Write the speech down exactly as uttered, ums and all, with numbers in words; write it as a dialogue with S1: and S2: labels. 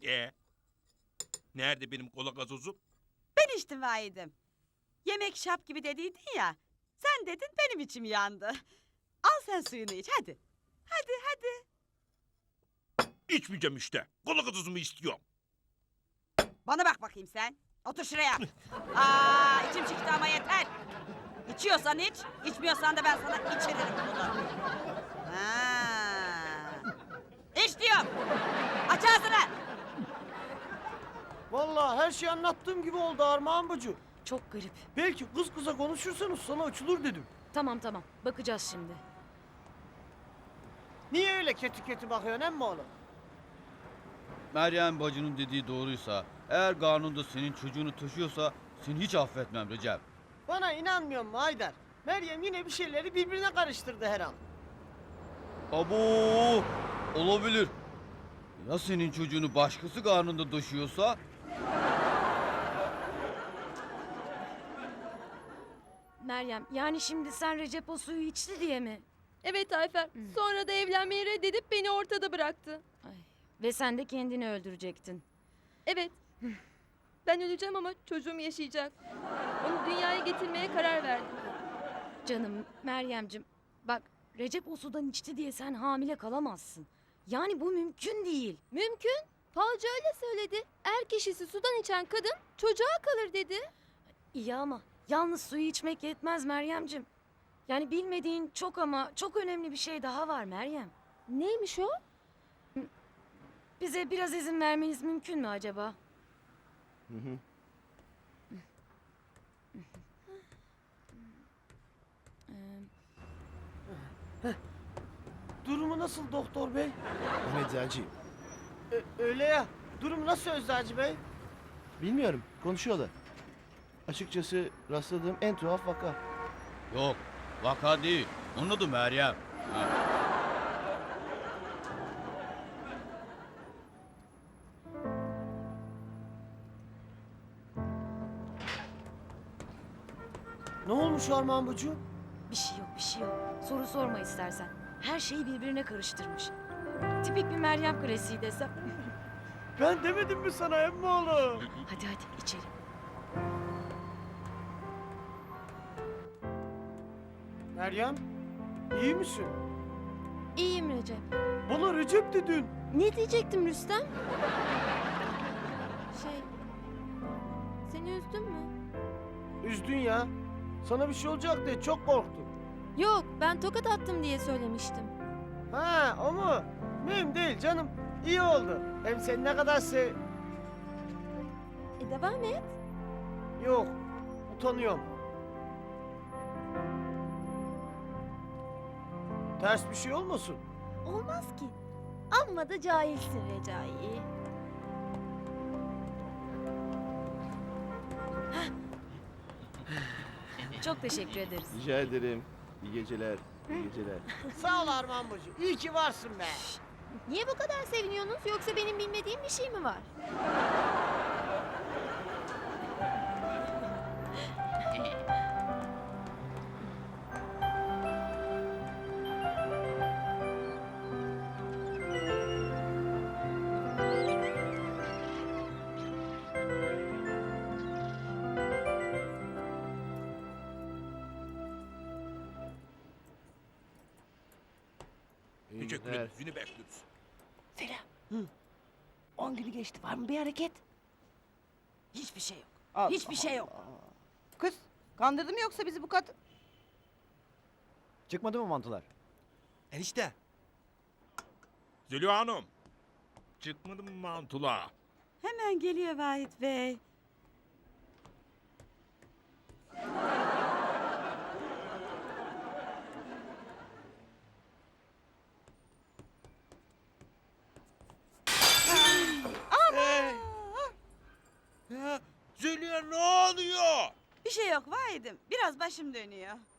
S1: Ee, nerede benim kola gazozum?
S2: Ben içtim vahidim. Yemek şap gibi dediydin ya. Sen dedin benim içim yandı. Al sen suyunu iç hadi. Hadi hadi.
S1: İçmeyeceğim işte. Kola gazozumu istiyorum.
S2: Bana bak bakayım sen. Otur şuraya. Aa içim çıktı ama yeter. İçiyorsan iç, içmiyorsan da ben sana içiririm bunu. Ha. İç diyorum. Aç ağzını.
S3: Vallahi her şey anlattığım gibi oldu Armağan bacı.
S4: Çok garip.
S3: Belki kız kıza konuşursanız sana açılır dedim.
S4: Tamam tamam bakacağız şimdi.
S3: Niye öyle kötü kötü bakıyorsun emmi oğlum?
S5: Meryem bacının dediği doğruysa, eğer karnında senin çocuğunu taşıyorsa seni hiç affetmem Recep.
S3: Bana inanmıyor mu Haydar? Meryem yine bir şeyleri birbirine karıştırdı her an.
S5: Abo, olabilir. Ya senin çocuğunu başkası karnında taşıyorsa?
S4: Meryem yani şimdi sen Recep o suyu içti diye mi?
S6: Evet Ayfer. Sonra da evlenmeyi reddedip beni ortada bıraktı.
S4: Ay. Ve sen de kendini öldürecektin.
S6: Evet. Ben öleceğim ama çocuğum yaşayacak. Onu dünyaya getirmeye karar verdim.
S4: Canım Meryemcim bak Recep o sudan içti diye sen hamile kalamazsın. Yani bu mümkün değil.
S6: Mümkün. Falcı öyle söyledi. Er kişisi sudan içen kadın çocuğa kalır dedi.
S4: İyi ama yalnız suyu içmek yetmez Meryemcim. Yani bilmediğin çok ama çok önemli bir şey daha var Meryem.
S6: Neymiş o?
S4: Bize biraz izin vermeniz mümkün mü acaba?
S3: Hı hı. Durumu nasıl doktor bey?
S7: Ben eczacıyım.
S3: Ö- öyle ya. Durum nasıl Eczacı bey?
S7: Bilmiyorum, konuşuyorlar. Açıkçası rastladığım en tuhaf vaka.
S5: Yok, vaka değil. Onun adı Meryem. Ha.
S3: Ne olmuş Armağan bacı?
S4: Bir şey yok bir şey yok. Soru sorma istersen. Her şeyi birbirine karıştırmış. Tipik bir Meryem klasiği desem.
S3: Ben demedim mi sana emmi oğlum?
S4: Hadi hadi içelim.
S3: Meryem, iyi misin?
S6: İyiyim Recep.
S3: Bana Recep dedin.
S6: Ne diyecektim Rüstem? Şey... Seni üzdüm mü?
S3: Üzdün ya. Sana bir şey olacak diye çok korktum.
S6: Yok, ben tokat attım diye söylemiştim.
S3: Ha, o mu? Mühim değil canım. İyi oldu. Hem sen ne kadar sev...
S6: E devam et.
S3: Yok, utanıyorum. Ters bir şey olmasın.
S6: Olmaz ki. Amma da cahilsin Recai.
S4: Çok teşekkür ederiz.
S7: Rica ederim. İyi geceler, iyi geceler.
S3: Sağ ol Armağan bacı. İyi ki varsın be.
S6: Niye bu kadar seviniyorsunuz? Yoksa benim bilmediğim bir şey mi var?
S7: İyi
S1: Teşekkür
S7: günler.
S1: ederiz. Yine bekliyoruz.
S2: Feriha. On günü geçti var mı bir hareket? Hiçbir şey yok. Hiçbir şey yok.
S8: Kız, kandırdı mı yoksa bizi bu kadın?
S3: Çıkmadı mı mantılar?
S7: Enişte.
S1: Zeliha Hanım. Çıkmadı mı mantula?
S2: Hemen geliyor Vahit Bey.
S1: Ya, Zeliha ne oluyor?
S2: Bir şey yok Vahit'im. Biraz başım dönüyor.